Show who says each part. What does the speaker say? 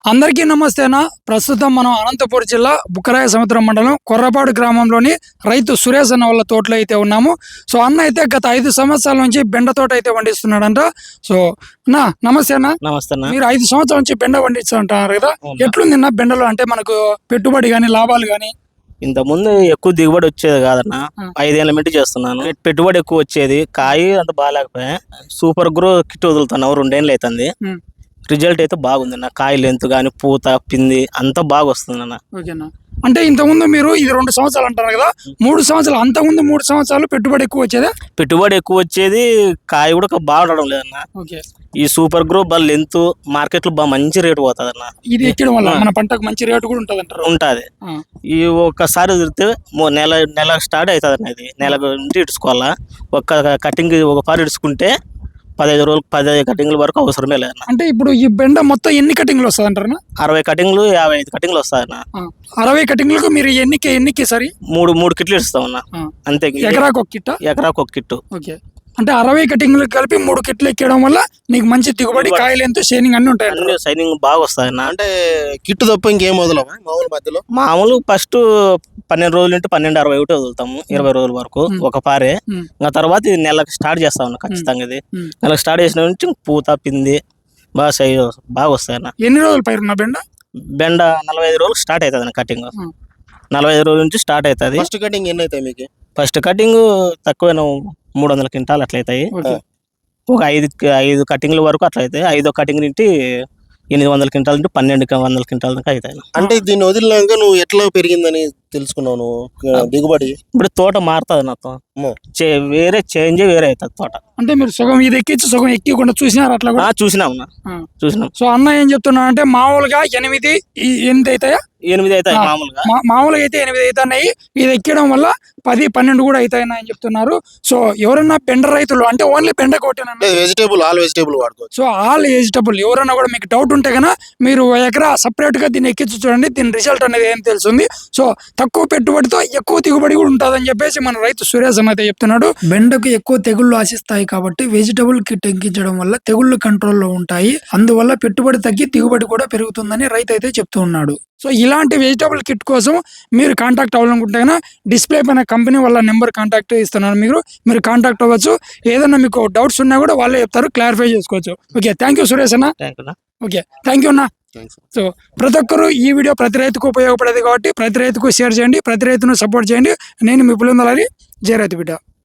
Speaker 1: అందరికీ నమస్తేనా. ప్రస్తుతం మనం అనంతపురం జిల్లా బుక్కరాయ సముద్రం మండలం కొర్రపాడు గ్రామంలోని రైతు సురేష్ అన్న వాళ్ళ తోటలో అయితే ఉన్నాము. సో అన్న అయితే గత 5 సంవత్సరాల నుంచి బెండ తోట అయితే పండిస్తున్నాడంట. సో అన్న నమస్తే అన్న.
Speaker 2: నమస్తే అన్న.
Speaker 1: మీరు 5 సంవత్సరాల నుంచి బెండ పండిస్తుంటారు కదా, ఎట్లుంది అన్న బెండలో? అంటే మనకు పెట్టుబడి కానీ లాభాలు కానీ?
Speaker 2: ఇంత ముందు ఎక్కువ దిగుబడి వచ్చేది కాదన్న. 5 ఏళ్ళ మింటి చేస్తున్నాను. పెట్టుబడి ఎక్కువ వచ్చేది, కాయ అంత బాగాలేకపోయా. సూపర్ గ్రో కిట్ వదులుతున్నావు, 2 ఏళ్ళు అవుతుంది. రిజల్ట్ అయితే బాగుంది అన్న. కాయ లెంత్ కానీ పూత పిండి అంతా బాగా వస్తుంది అన్న.
Speaker 1: ఓకేనా. అంటే ఇంతకుముందు మీరు ఇది 2 సంవత్సరాలు అంటారు కదా, 3 సంవత్సరాలు, అంతకుముందు 3 సంవత్సరాలు పెట్టుబడి ఎక్కువ వచ్చేదా?
Speaker 2: పెట్టుబడి ఎక్కువ వచ్చేది, కాయ కూడా బాగా ఉండడం లేదన్న.
Speaker 1: ఓకే. ఈ
Speaker 2: సూపర్ గ్రో బాగా లెంత్ మార్కెట్ లో బాగా మంచి రేటు పోతుంది అన్న.
Speaker 1: ఇది ఎక్కడం వల్ల మన పంటకు మంచి రేటు కూడా ఉంటుంది అంటారు.
Speaker 2: ఉంటుంది. ఈ ఒక్కసారి వదిలితే నెల స్టార్ట్ అవుతుంది అన్న. ఇది నెలకు ఇడుచుకోవాలా. ఒక్క కటింగ్ ఒక పారు ఇడుచుకుంటే 15 రోజులు 15 కటింగ్ల వరకు అవసరమే లేదన్న.
Speaker 1: అంటే ఇప్పుడు ఈ బెండ మొత్తం ఎన్ని కటింగ్లు వస్తుంది అంటారు?
Speaker 2: 60 కటింగ్లు 55 కటింగ్లు వస్తాయన్న.
Speaker 1: 60 కటింగ్లకు మీరు ఎన్నికి సరి
Speaker 2: 3 కిట్లు ఇస్తామన్నా. అంతే.
Speaker 1: ఎకరాకు ఒక కిట్ట?
Speaker 2: ఎకరాకు ఒక కిట్టు.
Speaker 1: ఓకే. అంటే 60 కటింగ్లు కలిపి 3 కిట్లు ఎక్కడం వల్ల నీకు మంచి దిగుబడి, కాయలు ఎంతో షైనింగ్ అన్ని ఉంటాయి.
Speaker 2: షైనింగ్ బాగా వస్తాయన్న.
Speaker 3: అంటే కిట్టు తప్ప ఇంకేం వదలవా మామూలు మధ్యలో?
Speaker 2: మామూలు ఫస్ట్ 12 రోజులు అంటే 12, 60 ఒకటి వదులుతాము. 20 రోజుల వరకు ఒక పారే. ఇంకా తర్వాత ఇది నెలకు స్టార్ట్ చేస్తా ఉన్నా ఖచ్చితంగా. ఇది నెలకు స్టార్ట్ చేసిన నుంచి పూత పిండి బాగా బాగా వస్తాయన్న.
Speaker 1: ఎన్ని రోజులు పైరున్న బెండ?
Speaker 2: బెండ 45 రోజులు స్టార్ట్ అవుతుంది అన్న. కటింగ్ 45 రోజుల నుంచి స్టార్ట్ అవుతుంది.
Speaker 3: ఫస్ట్ కటింగ్ ఎన్ని అవుతాయి మీకు?
Speaker 2: ఫస్ట్ కటింగ్ తక్కువ 300 క్వింటాలు అట్లయితాయి. ఒక 5 కటింగ్ల వరకు అట్లా అవుతాయి. 5వ కటింగ్ నుండి 800 క్వింటాల్ నుండి 1200 క్వింటాల్ దాకా అవుతాయి.
Speaker 3: అంటే దీన్ని వదిలినాక నువ్వు ఎట్లా పెరిగిందని తెలుసుకున్నావు నువ్వు దిగుబడి?
Speaker 2: ఇప్పుడు తోట మారుతుంది నాతో, వేరే చేంజ్ వేరే అవుతుంది తోట.
Speaker 1: అంటే మీరు సగం ఇది ఎక్కించి సగం ఎక్కకుండా చూసినారు అట్లా కూడా?
Speaker 2: చూసినాం.
Speaker 1: సో అన్న ఏం చెప్తున్నా అంటే మామూలుగా 8 అవుతాయా?
Speaker 2: 8 అవుతాయి
Speaker 1: మామూలుగా అయితే 8 అవుతున్నాయి. ఇది ఎక్కడం వల్ల 10, 12 కూడా అవుతాయని ఆయన చెప్తున్నారు. సో ఎవరన్నా బెండ రైతులు అంటే ఓన్లీ బెండ కొట్టిన
Speaker 3: వెజిటేబుల్ ఆల్ వెజిటేబుల్ వాడుకోవచ్చు.
Speaker 1: సో ఆల్ వెజిటబుల్ ఎవరన్నా కూడా మీకు డౌట్ ఉంటే కన్నా మీరు ఎకరా సపరేట్ గా దీన్ని ఎక్కించి చూడండి. దీని రిజల్ట్ అనేది ఏం తెలుస్తుంది. సో తక్కువ పెట్టుబడితో ఎక్కువ దిగుబడి కూడా ఉంటుందని చెప్పేసి మన రైతు సురేష్ అయితే చెప్తున్నాడు. బెండకు ఎక్కువ తెగుళ్లు ఆశిస్తాయి కాబట్టి వెజిటబుల్ కిట్ ఎక్కించడం వల్ల తెగుళ్లు కంట్రోల్లో ఉంటాయి. అందువల్ల పెట్టుబడి తగ్గి దిగుబడి కూడా పెరుగుతుందని రైతు అయితే చెప్తూ ఉన్నాడు. సో ఇలాంటి వెజిటబుల్ కిట్ కోసం మీరు కాంటాక్ట్ అవ్వాలనుకుంటే కన్నా డిస్ప్లే పైన కంపెనీ వాళ్ళ నెంబర్ కాంటాక్ట్ ఇస్తున్నారు. మీరు కాంటాక్ట్ అవ్వచ్చు. ఏదన్నా మీకు డౌట్స్ ఉన్నా కూడా వాళ్ళే చెప్తారు, క్లారిఫై చేసుకోవచ్చు. ఓకే, థ్యాంక్ యూ సురేష్ అన్న. ఓకే, థ్యాంక్ యూ అన్న. సో ప్రతి ఒక్కరు ఈ వీడియో ప్రతి రైతుకు ఉపయోగపడేది కాబట్టి ప్రతి రైతుకు షేర్ చేయండి, ప్రతి రైతును సపోర్ట్ చేయండి. నేను మీ పులిందలారి, జై రైతు బిడ్డ.